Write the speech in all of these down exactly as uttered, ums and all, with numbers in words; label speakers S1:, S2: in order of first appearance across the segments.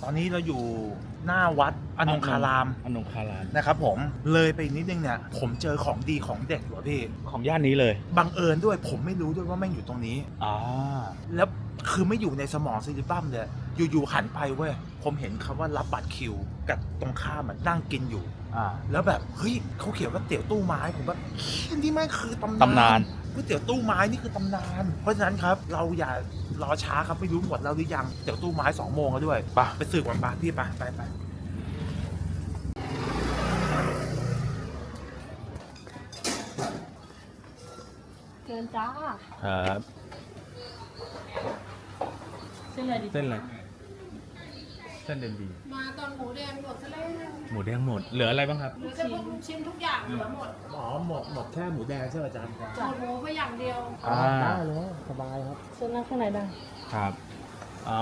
S1: ตอนนี้เราอยู่หน้าวัดอนงคาราม
S2: อนงคาราม
S1: นะครับผมเลยไปนิดนึงเนี่ยผมเจอของดีของเด็ดว่ะพี่
S2: ของย่านนี้เลย
S1: บังเอิญด้วยผมไม่รู้ด้วยว่าแม่งอยู่ตรงนี้
S2: อ่า
S1: แล้วคือไม่อยู่ในสมองซิลิบัมเลยอยู่ๆหันไปเว้ยผมเห็นคำว่ารับบัตรคิวกับตรงข้ามมันนั่งกินอยู่
S2: อ่า
S1: แล้วแบบเฮ้ยเขาเขียนว่าเตี๋ยวตู้ไม้ผมแบบนี่แม่งคือตำนาน
S2: ตำนาน
S1: ก๋วยเตี๋ยวตู้ไม้นี่คือตำนานเพราะฉะนั้นครับเราอย่ารอช้าครับไม่รู้หมดแล้วหรือยังเตี๋ยวตู้ไม้สองโมงแล้วด้วยไปไปสืบก่อนปะพี่ไปไปไป
S3: เกินจ้า
S2: ครับ
S3: เส้นอะไรดี
S2: เส้นอะไรเส้นเดนดี
S4: มาตอนหมูแดงหมดซะแล้ว
S2: หมูแดงหมดเหลืออะไรบ้างครับ
S4: เหลือแต่พวกลูกชิ้นทุกอย่างเหลือหมด
S1: อ๋อหมดหมดแค่หมูแดงใช่ไหมอาจารย์
S4: หมดหมูไปอย่างเดียว
S2: อ่า
S1: ได้เลยสบายครับ
S3: เส้นนั้นข้างในได้
S2: ครับ เอา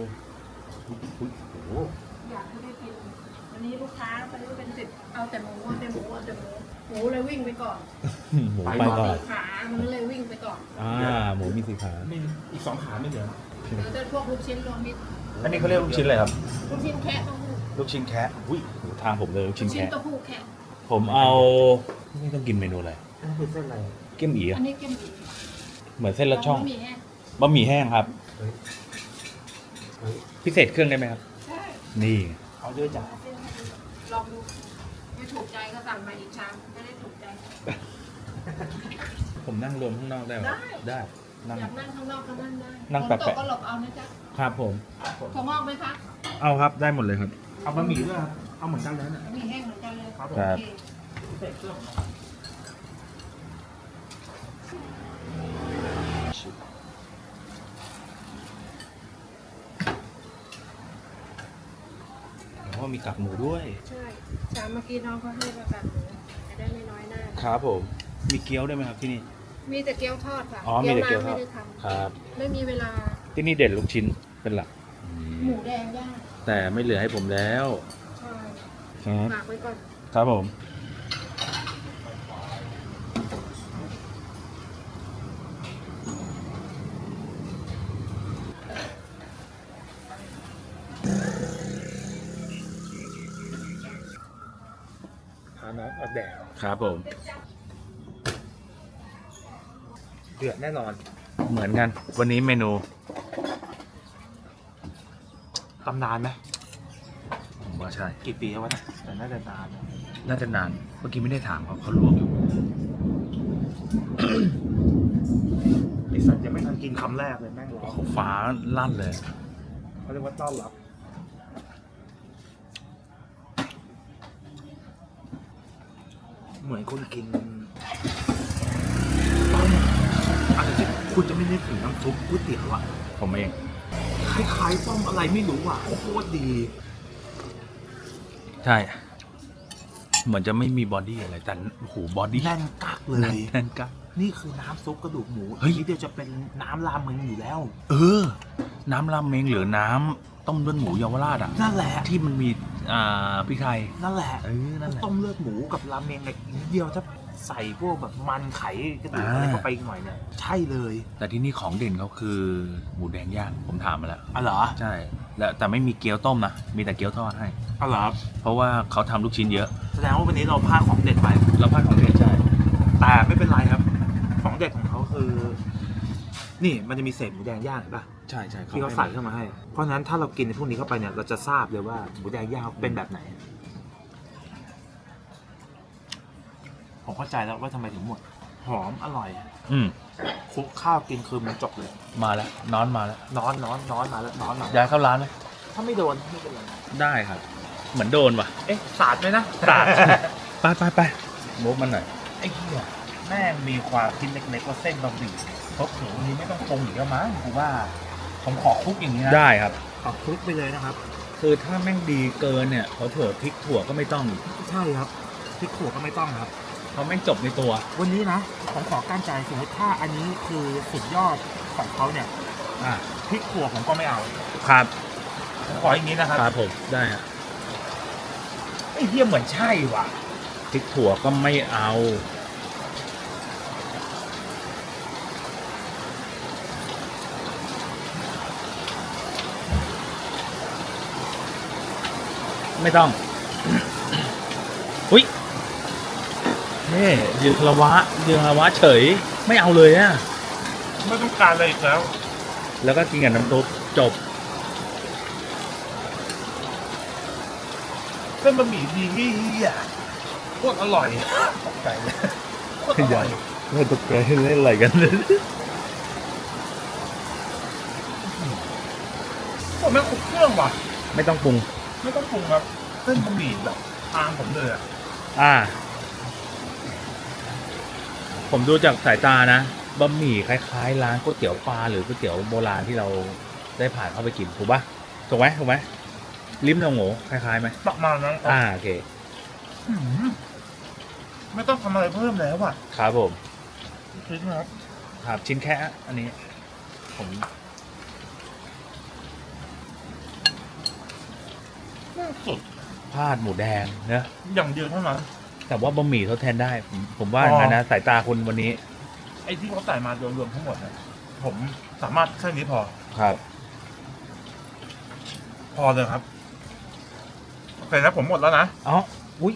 S4: อยากให้ได้กินวันนี้ลูกค้าไปรู้เป็นสิบเอาแต่หมูเอาแต่หมูเอาแต่หมูหมูเลยวิ่งไปก่อน
S2: หมูไปก่อน
S4: สี่ขามันเลยวิ่งไปก่อน
S2: อ่าหมูมีสีขา
S1: มีอีกสองขาไม่เหลือ
S4: เหลือแต่พวกลูกชิ้นรวมมิตร
S2: อันนี้เขาเรียกลูกชิ้นอะไรครับ
S4: ลูกชิ้นแคะเต้าหู้
S2: ลูกชิ้นแคะอุ้ยทางผมเลยลูก
S4: ลู
S2: ชิ้น
S4: กชิ้น
S2: แคะ
S4: เต้าหู้แคะ
S2: ผมเอานี่ต้องกินเมนูอะไร
S1: อันนี้คือเส้นอะไร
S2: เกี๊ยวหมี่
S4: อันนี้เก็มหมี่
S2: เหมือนเส้นละช่อง
S4: บะหมี่แห้ง
S2: บะหมี่แห้งครับ
S1: เฮ้ยเฮ้ย
S2: พิเศษเครื่องได้ไหมครับ
S4: ใช่
S2: นี่
S1: เอาด้วยจ้ะ
S4: ลองดูไม่ถูกใจก็สั่งมาอีกชามไม่ได้ถูกใจ
S2: ผมนั่งรวมข้างนอกได้ไหม
S4: ได้
S2: ได้นั่ง
S4: อยากนั่งข้างนอกก็นั่งได้
S2: นั่ง
S4: ฝนต
S2: แปะ
S4: ก
S2: ๆ
S4: ก็หลบเอานะจ๊ะ
S2: ครับผม
S4: ถั่วงอกไหมคะ
S2: เอาครับได้หมดเลยครับ
S1: เอาบะหมี่ด้วยครับเอาเหมือนกันเลยนะ
S4: บะหมี่แห้งเหมือนกันเลย
S1: ครับ
S2: ครับ
S4: โอเค
S1: พิเศษเครื่อง
S2: เพราะมีกากหมูด้วย
S4: ใช่ชามเมื่อกี้น้องเขาให้ประกันหมูจะได้ไม่น้อยหน้า
S2: ครับผม มีเกี๊ยวด้วยไหมครับที่นี่
S4: มีแต่เกี๊ยวทอดค่ะ
S2: อ๋อมีแต่เกี๊ยวทอด
S4: น้ำไม่ได้ท
S2: ครับ
S4: ำไม่มีเวลา
S2: ที่นี่เด่นลูกชิ้นเป็นหลัก
S4: หมูแดงย่าง
S2: แต่ไม่เหลือให้ผมแล้ว
S4: ใช่
S2: ครับ
S4: ฝากไว้ก่อน
S2: ครับผม
S1: ทานน้ำเอาแดด
S2: ครับผม
S1: เดือดแน่นอน
S2: เหมือนกัน วันนี้เมนู
S1: ตำนานไหม
S2: ผมว่าใช่
S1: กี่ปีแล้ววะเนี่ยแต่น่าจะนานนะ
S2: น่าจะนาน เมื่อกี้ไม่ได้ถามเขาเขาลวกอยู่
S1: ไอสัตว์ยังไม่ทันกินคำแรกเลยแม่งร้อ
S2: โอ้
S1: ง
S2: โหฟ้าลั่นเลย
S1: เขาเรียกว่าต้อนรับเหมือนคุณกินต้มอะไรที่คุณจะไม่นึกถึงน้ำซุปก๋วยเตี๋ยวอะ
S2: ผมเอง
S1: คล้ายๆต้มอะไรไม่รู้อะโคตรดี
S2: ใช่ เหมือนจะไม่มีบอดี้อะไร แต่โอ้โหบอดี้
S1: แน่นกักเล
S2: แน่น
S1: ย
S2: แน่นกัก
S1: นี่คือน้ำซุปกระดูกหมู
S2: เฮ้ย
S1: นี่เดียวจะเป็นน้ำราเมงอยู่แล้ว
S2: เออ น้ำราเมงหรือน้ำต้มเลือดหมูเยาวราชอ่ะ
S1: นั่นแหละ
S2: ที่มันมีอ่าพริกไทย
S1: นั่นแหละ
S2: เออนั่นแหละ
S1: ต้มเลือดหมูกับราเมงอะไรนิดเดียวถ้าใส่พวกแบบมันไข่กระดูกอะไร
S2: อ่า
S1: เข้าไปอีกหน่อยเนี่ยใช่เลย
S2: แต่ที่นี่ของเด่นเขาคือหมูแดงย่างผมถามมาแล้ว
S1: อ๋อเหรอ
S2: ใช่ แล้วแต่ไม่มีเกี๊ยวต้มนะ มีแต่เกี๊ยวทอดให้
S1: อ๋อเหรอ
S2: เพราะว่าเขาทำลูกชิ้นเยอะ
S1: แสดงว่าวันนี้เราพลาดของเด็ดไป
S2: แล้วพลาดของเด่นใช่
S1: แต่ไม่เป็นไรครับ ของเด็ดของเขาคือ นี่มันจะมีเศษหมูแดงย่างเห็นปะ
S2: ใช่ใช่
S1: ที่เขาใส่เข้ามาให้ เพราะฉะนั้นถ้าเรากินในพวกนี้เข้าไปเนี่ยเราจะทราบเลยว่าหมูแดงย่างเป็นแบบไหน ผมเข้าใจแล้วว่าทำไมถึงหมด หอมอร่อย
S2: อืม
S1: คลุกข้าวกินคือมันจบเลย
S2: มาแล้วนอนมาแล้ว
S1: นอนนอนนอนมาแล้วนอนมา
S2: ย้ายเข้าร้านไหม
S1: ถ้าไม่โดนไม่เป็นไร
S2: ได้ครับ เหมือนโดนว่ะ
S1: เอ๊ะสาดไหมนะ
S2: สาด ไปไปไปโมุกมันหน่อย
S1: ไอ้เหี้ยแม่งมีความคิดเล็กๆว่าเส้นบะหมี่เพราะผมนี้ไม่ต้องปรุงอีกแล้วมั้งกูว่าผมขอคลุกอย่างนี้นะ
S2: ได้ครับ
S1: ขอคลุกไปเลยนะครับ
S2: คือถ้าแม่งดีเกินเนี่ยเขาถั่วพริกถั่วก็ไม่ต้องอีก
S1: ใช่ครับพริกขั่วก็ไม่ต้องครับ
S2: เขาแม่งจบในตัว
S1: วันนี้นะผมขอการใจสมมติถ้าอันนี้คือสุดยอดของเขาเนี่ย
S2: อ่า
S1: พริกขั่วผมก็ไม่เอา
S2: ครับ
S1: ผมขออย่างนี้นะครับ
S2: ครับผมได้ฮะ
S1: ไอ้เหี้ยเหมือนใช่ว่ะ
S2: พริกถั่วก็ไม่เอาไม่ต้อง อุ้ยนี่ยืนคารวะยืนคารวะเฉย ไม่เอาเลยอะ
S1: ไม่ต้องการอะไรอีกแล้ว
S2: แล้วก็กินกับน้ำซุปจบ
S1: เส้นบะหมี่ดีนี่อ่ะโคตรอร่อยตกใจเลยโคตรอร่อย
S2: ไม่ตกใจเล่นอะไรกัน
S1: ผมไม่ครบเครื่องว่ะ
S2: ไม่ต้องปรุง
S1: ไม่ต้องปรุงครับเส้นบะหมี่แบบทางผมเลยอ่ะ
S2: อ่า ผมดูจากสายตานะบะหมี่คล้ายๆร้านก๋วยเตี๋ยวปลาหรือก๋วยเตี๋ยวโบราณที่เราได้ผ่านเข้าไปกินถูกปะถูกไหมถูกไหมลิ้มเราโง่คล้ายๆไหม
S1: ประมาณนั้นครับ
S2: อ่าโอเค
S1: อืมไม่ต้องทำอะไรเพิ่มแล้วอ่ะ
S2: ครับผม
S1: คิดนะครับ
S2: ครับชิ้นแค่อันนี้ ผม
S1: สุด
S2: พลาดหมูแดงเนอะ
S1: อย่างเดียวเท่านั้น
S2: แต่ว่าบะหมี่ทดแทนได้ ผมผมว่าอย่างนั้นนะสายตาคุณวันนี้
S1: ไอ้ที่เขาใส่มาโดยรวมทั้งหมดนะผมสามารถแค่นี้พอ
S2: ครับ
S1: พอเลยครับโอเคนะผมหมดแล้วนะ
S2: อ๋ออุ้ย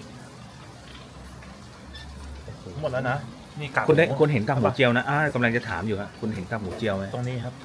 S1: ผมหมดแล้วนะนี่กาก
S2: คุณได้
S1: หมู
S2: คุณเห็นกากหมูเจียวนะอ่ากำลังจะถามอยู่ฮะคุณเห็นกากหมูเจียวไหม
S1: ตรงนี้ครับ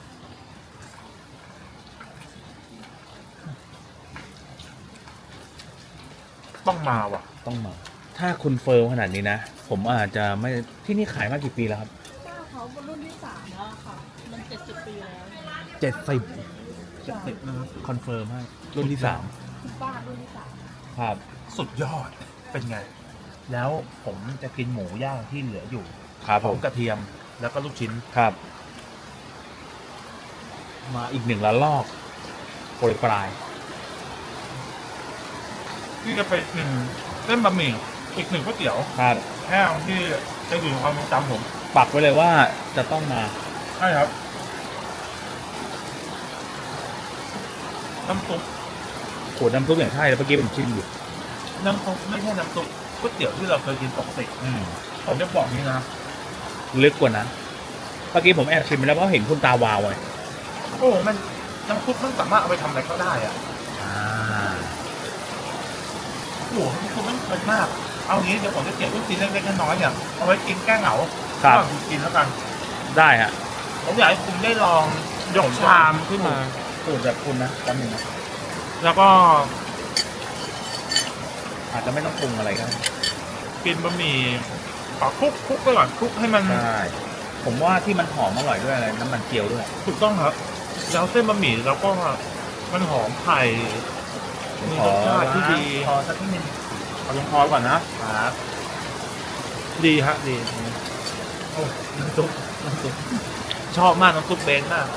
S1: ต้องมาว่ะ
S2: ต้องมา ถ้าคุณเฟิร์มขนาดนี้นะ ผมอาจจะไม่ที่นี่ขายมากี่ปีแล้วครับ
S3: ป้าเขาเป็นรุ่นที่สามแล้วอะค่ะ มันเจ็ดสิบปีแล้ว
S2: เจ็ดสิบ
S1: จะติดนะครับ
S2: คอนเฟิร์มให้รุ่นที่สาม
S3: คุณป้ารุ่นที่สาม
S2: ครับ
S1: สุดยอดเป็นไง แล้วผมจะกินหมูย่างที่เหลืออยู่
S2: ครับ
S1: พ
S2: ผ
S1: ร้อ
S2: ม
S1: มกระเทียมแล้วก็ลูกชิ้น
S2: ครับ มาอีกหนึ่งละลอกโปรยปลาย
S1: ที่จะเป็นหนึ่งเส้นบะหมี่อีกหนึ่งก๋วยเตี๋ยว
S2: ครับ
S1: แห้งที่จะอยู่ในความทรงจำผม
S2: ปักไว้เลยว่าจะต้องมา
S1: ใช่ครับน้ำซุป
S2: โขวดน้ำซุปอย่างใช่แล้วเมื่อกี้ผมชิมอยู่
S1: น้ำซุปไม่ใช่น้ำซุปก๋วยเตี๋ยวที่เราเคยกินปกติ
S2: อืม
S1: ผมจะบอกนี้นะ
S2: ลึกกว่านั้นเมื่อกี้ผมแอบชิมไปแล้วเพราะเห็นคุณตาวาวไว้
S1: โอ้มันน้ำซุปมันสามารถเอาไปทำอะไรก็ได้อะ
S2: อ่า
S1: โอ้โหน้ำซุปมันเป็นมากเอางี้เดี๋ยวผมจะเก็บลูกชิ้นเล็กๆน้อยๆเนี่ยเอาไว้กินแก้เหงา
S2: ครับ
S1: ระหว่างคุณกินแล้วกัน
S2: ได้ฮะ
S1: ผมอยากให้คุณได้ลองยกชามขึ้นมา
S2: สูตรแบบคุณนะจำหนึ่งนะ
S1: แล้วก็
S2: อาจจะไม่ต้องปรุงอะไรก็ได้
S1: กินบะหมี่ปอกคลุกคลุกไปก่อนคลุกให้มัน
S2: ใช่ผมว่าที่มันหอมอร่อยด้วยอะไรน้ำมันเจียวด้วย
S1: ถูกต้องครับ แล้วเส้นบะหมี่แล้วก็มันหอมไข่มีรสชาติที่ดี
S2: พอสักนิดนึง
S1: เอาลงคอก่อนนะครับ ดีฮะดีโอ้น้ำซุปน้ำซุปชอบมากน้ำซุปเบนมาก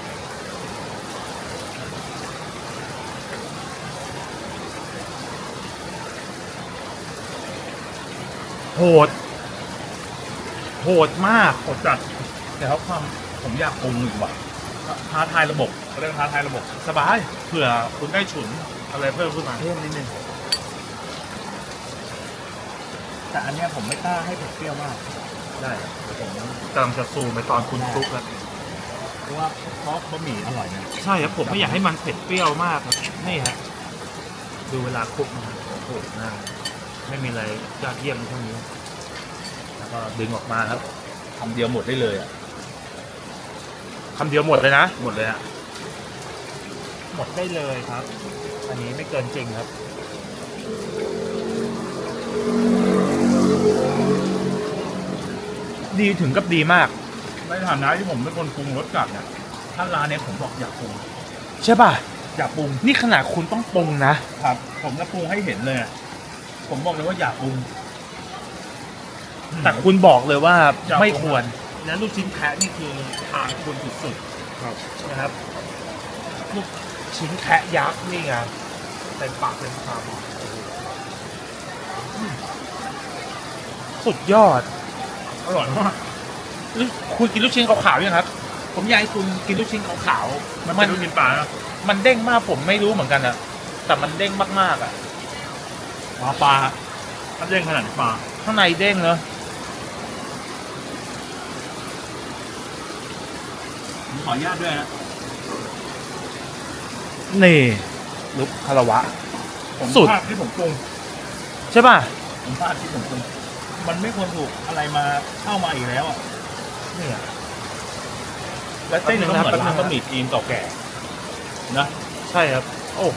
S1: โหด โหดมากโหดจัดแต่เขาความ
S2: ผมอยากปรุงอีกว่ะท้าทายระบบเขาเรียกว่าท้าทายระบบ
S1: สบายเผื่อคุณได้ฉุนอะไรเพิ่มขึ้นมา
S2: เพิ่มนิดนึงแต่อันเนี้ยผมไม่กล้าให้เผ็ดเปรี้ยวมาก
S1: ได้ครับผมกำลังจะซูมไปตอนคุณคลุกแล้ว
S2: เพราะว่าเพราะบะหมี่อร่อยนะ
S1: ใช่ครับผมไม่อยากให้มันเผ็ดเปรี้ยวมากครับนี่ฮะดูเวลาคลุกนะครับโอ้โหน่าไม่มีอะไรยอดเยี่ยมเท่านี้แล้วก็ดึงออกมาครับ
S2: คำเดียวหมดได้เลยอ่ะ
S1: คำเดียวหมดเลยนะ
S2: หมดเลยอ่ะ
S1: หมดได้เลยครับ อันนี้ไม่เกินจริงครับ ดีถึงกับดีมาก
S2: ในฐานะที่ผมเป็นคนปรุงรสจัดเนี่ยถ้าร้านเนี้ยผมบอกอยากปรุง
S1: ใช่ป่ะ
S2: อยากปรุง
S1: นี่ขนาดคุณต้องปรุงนะ
S2: ครับ ผมจะปรุงให้เห็นเลยอะผมบอกเลยว่าอยากปรุง
S1: แต่คุณบอกเลยว่า
S2: อยาก
S1: ไม่ควรแล้วลูกชิ้นแพะนี่คือทางคุณสุด
S2: ครับ
S1: ๆนะครับ ลูกชิ้นแพะยักษ์นี่ไงเต็มปากเต็มคำอืมสุดยอด
S2: อร่อยมาก
S1: ลูกคุณกินลูกชิ้นขาวๆยังครับ ผมอยากให้คุณกินลูกชิ้นขาวๆ
S2: มันเป็นลูกชิ้นปลานะ
S1: มันเด้งมากผมไม่รู้เหมือนกันอะแต่มันเด้งมากๆอะ
S2: ปลาปลาถ้าเด้งขนาดปลา
S1: ข้างในเด้งเนอะ
S2: ผมขออนุญาตด้วยนะ
S1: นี่ลุกคารวะ
S2: ผม
S1: สุด
S2: พลาดที่ผมปรุง
S1: ใช่ป่ะ
S2: ผมพลาดที่ผมปรุงมันไม่ควรถูกอะไรมาเข้ามาอีกแล้วอ่ะ
S1: นี่อะ
S2: และเส้นก็เหมือนร้านบะหมี่จีนเก่าแก่นะ
S1: ใช่ครับ โอ้โห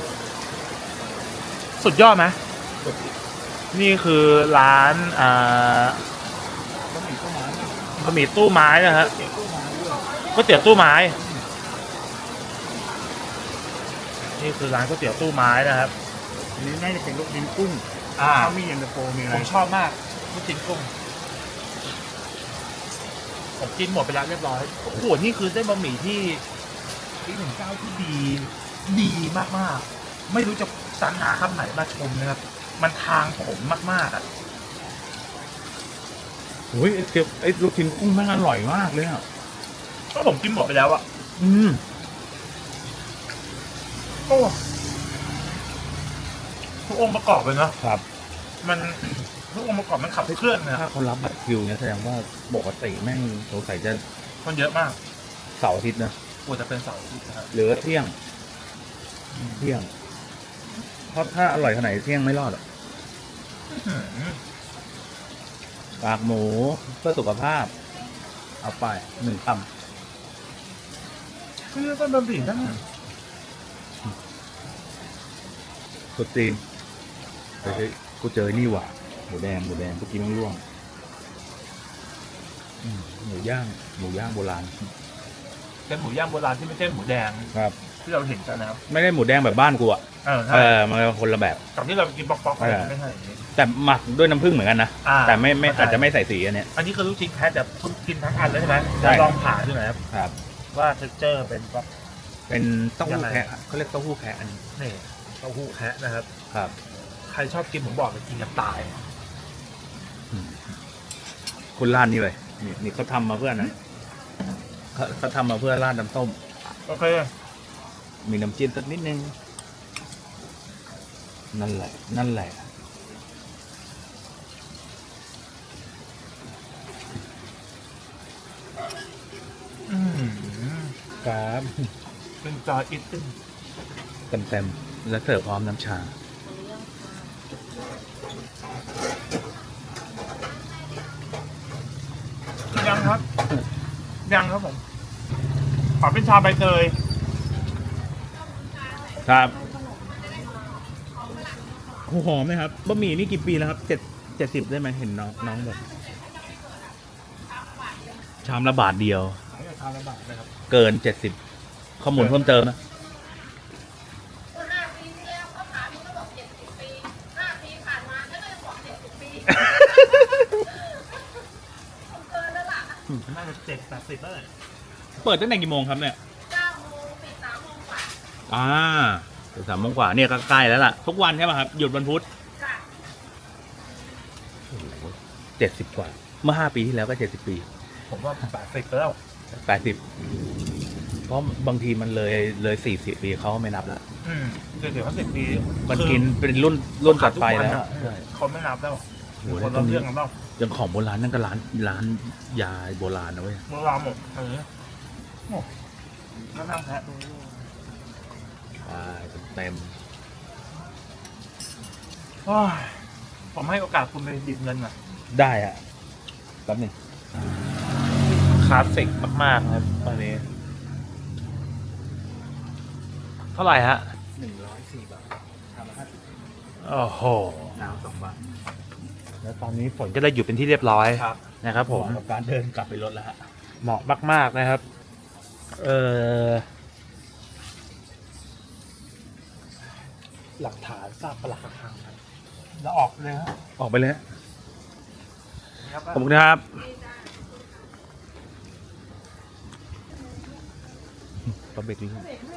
S1: สุดยอดไหมนี่คือร้านอ่า
S2: บะหมี่ข้าวหมา
S1: บะหมี่ตู้ไม้นะฮะ
S2: เก๋ตู้มาด้วย
S1: ก๋วยเตี๋ยวตู้ไม้ นี่คือร้านก๋วยเตี๋ยวตู้ไม้นะครับ
S2: อันนี้น่าจะเป็นลูกชิ้นกุ้ง
S1: อ่า
S2: ถ้ามีเย็นตาโฟมีอะไร
S1: ผมชอบมากลูกชิ้นกุ้งผมกินหมดไปแล้วเรียบร้อยโอ้โหนี่คือเส้นบะหมี่ที่อีกหนึ่งเจ้าที่ดี ดีมากๆ ไม่รู้จะสรรหาคำไหนมาชมนะครับ มันทางผมมากๆอ่ะ
S2: โอ้ยไอ้เตี๋ยวไอ้ลูกชิ้นกุ้งแม่งอร่อยมากเลยอ่ะ
S1: ก็ผมกินหมดไปแล้วอ่ะ
S2: อืม
S1: โอ้ทุกองค์ประกอบเลยเนาะ
S2: ครับ
S1: มัน ทุกองค์ประกอบมันขับเคลื่อนนะ
S2: ถ้าเขารับบัตรคิวเนี่ยแสดงว่าปกติแม่งสงสัยจะ
S1: มันเยอะมาก
S2: เสาร์อาทิตย์นะ
S1: กลัวจะเป็นเสาร์อาทิตย์นะครับ
S2: หรือเที่ยง เที่ยง เพราะถ้าอร่อยขนาดไหนเที่ยงไม่รอดหรอก
S1: อื้อหือ
S2: ปากหมูเพื่อสุขภาพ เอาไปหนึ่งค
S1: คือต้นบะหมี่นั่น
S2: ำสุดจีนเฮ้ยกูเจอนี่หว่าหมูแดงหมูแดงเมื่อกี้มันร่วงอืมหมูย่างหมูย่างโบราณ
S1: เป็นหมูย่างโบราณที่ไม่ใช่หมูแดง
S2: ครับ
S1: ที่เราเห็นกันนะครับ
S2: ไม่ได้หมูแดงแบบบ้านกูอ่ะ
S1: เออ
S2: เอ
S1: ใช่
S2: อมันเป็นคนละแบบ
S1: กับที่เรากินป๊อกๆ
S2: เออ
S1: ไม่ใช่อย่างนี้
S2: แต่หมักด้วยน้ำผึ้งเหมือนกันนะ
S1: อ่า
S2: แต่ไม่ไม่
S1: เข้าใจ
S2: อาจจะไม่ใส่สีอันเนี้ย
S1: อันนี้คือลูกชิ้นแท้แต่คุณกินทั้งอันแล้วใช่ไหม
S2: ใช่
S1: ลองผ่าดูหน่อยครับ
S2: ครับ
S1: ว่าเท็กเจอร์เป็นแบบ
S2: เป็นเต้า
S1: ยั
S2: หู้
S1: งไง
S2: แคะเขาเรียกเต้าหู้แคะอันนี้
S1: นี่เต้าหู้แคะนะครับ
S2: ครับ
S1: ใครชอบกินผมบอกเลยกินกันตาย
S2: อืมคุณราดนี่เลยนี่นี่เขาทำมาเพื่อนะเขาเขาทำมาเพื่อราดน้ำต้ม
S1: โอเค
S2: มีน้ำจิ้มสักนิดนึง นั่นแหละ นั่นแหละ
S1: อืม
S2: ครับ
S1: เป็นจอยอิตติ้ง
S2: เต็มเต็มๆแล้วเสิร์ฟพร้อมน้ำชา
S1: ยังครับ ยังครับผมขอเป็นชาใบเตย
S2: ครับโอ้หอมไหมครับบะหมี่นี่กี่ปีแล้วครับเจ็ดเจ็ดสิบได้ไหมเห็นน้องน้องแบบชามละบาทเดียว
S1: ขายกับชาละบาทนะครับ
S2: เกินเจ็ดสิบข้อมูลเพิ่มเติมนะ
S4: ห้าปีที่แล้วเขาถามนี่ก็บอกเจ็ดสิบปีห้าปีผ่านมาแล้วก็ยังบอกเจ็ดสิบปีต้องเกินแล้วล่ะ
S1: น่าจะเจ็ดแปดสิบแล้วแหละ
S2: เปิดตั้งแต่กี่โมงครับเนี่ย
S4: เก้าโมงปิดสามโมงกว่า
S2: อ่าถึงสามโมงกว่าเนี่ยก็ใกล้แล้วล่ะ ทุกวันใช่ป่ะครับ หยุดวันพุธ
S4: ค่ะ
S2: เจ็ดสิบกว่า เมื่อห้าปีที่แล้วก็เจ็ดสิบปี
S1: ผมว่าแปดสิบแล้ว
S2: แปดสิบเพราะบางทีมันเลยเลยสี่สิบปีเขาไม่นับแล้ว
S1: อืมเดี๋ยวเดี๋ยวเขาสิบปี
S2: มันกินเป็นรุ่นรุ่นถัดไปแล้ว
S1: ใช่เขาไม่นับแล้ว
S2: โอ้โห
S1: คน
S2: ตร
S1: ละ
S2: งนี้
S1: เรื่องกันแล้ว
S2: ยังของโบราณนั่นก็ร้านร้านยาโบราณนะเว้ย
S1: เมื่อวานหมดเออโอ้ก็นั่งแพะดู
S2: อ่าเต็ม
S1: โอ้ยผมให้โอกาสคุณไปหยิบเงินอ่ะ
S2: ๆได้อะแป๊บหนึง
S1: คลาสสิกมากๆครับตอนนี้ เท่าไหร่ฮะ
S2: หนึ่งร้อยสี่บาทชามละห้าสิบ
S1: โอ้โห
S2: น้ำสองบาท
S1: แล้วตอนนี้ฝนก็ได้หยุดเป็นที่เรียบร้อย
S2: ครับ
S1: นะครับผม
S2: กับการเดินกลับไปรถแล้วฮะ
S1: เหมาะมาก ๆ นะครับ เออหลักฐานทราบประหลักทางครับแล้วออกเลยครับ
S2: ออกไปเลยฮะ
S1: ครับ
S2: ขอบคุณครับปลาเบกลี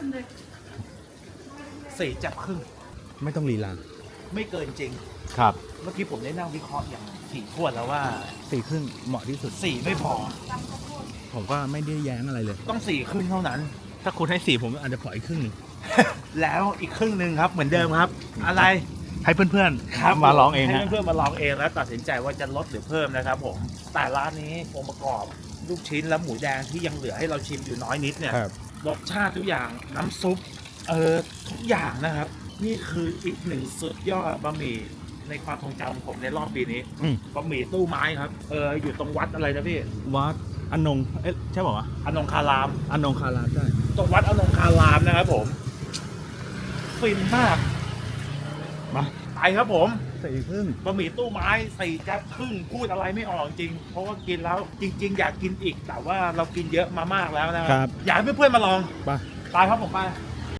S1: สี่จับครึ่ง
S2: ไม่ต้องลีลา
S1: ไม่เกินจริง
S2: ครับ
S1: เมื่อกี้ผมได้นั่งวิเคราะห์อย่างถี่ถ้วนแล้วว่า
S2: สี่ครึ่งเหมาะที่สุด
S1: สี่ไม่พอ
S2: ผมก็ไม่ได้แย้งอะไรเลย
S1: ต้องสี่ครึ่งเท่านั้น
S2: ถ้าคุณให้สี่ผมอาจจะขออีกครึ่งหนึ่ง
S1: แล้วอีกครึ่งหนึ่งครับ เหมือนเดิมครับ อะไร
S2: ให้เพื่อนๆมาร้องเอง
S1: ให้
S2: ฮะ
S1: เพื่อนๆมาลองเองแล้วตัดสินใจว่าจะลดหรือเพิ่มนะครับผม แต่ร้านนี้องค์ประกอบลูกชิ้นและหมูแดงที่ยังเหลือให้เราชิมอยู่น้อยนิดเนี่ย
S2: ครับ
S1: รสชาติทุกอย่างน้ำซุปเออทุกอย่างนะครับนี่คืออีกหนึ่งสุดยอดบะหมี่ในความทรงจำของผมในรอบปีนี้
S2: อืม
S1: บะหมี่ตู้ไม้ครับเอออยู่ตรงวัดอะไรนะพี่
S2: วัดอนงเอ๊ะใช่ป่าววะ
S1: อนงคาราม
S2: อนงคารามใช่
S1: ตรงวัดอนงคารามนะครับผมฟินมาก
S2: มา
S1: ไปครับผม
S2: สี่พึ่ง
S1: บะหมี่ตู้ไม้สี่แจ๊บครึ่งพูดอะไรไม่ออกจริงเพราะว่ากินแล้วจริง ๆ อยากกินอีกแต่ว่าเรากินเยอะมามากแล้วนะครับ อยากให้เพื่อนๆมาลอง
S2: ไป
S1: ไปครับผมไป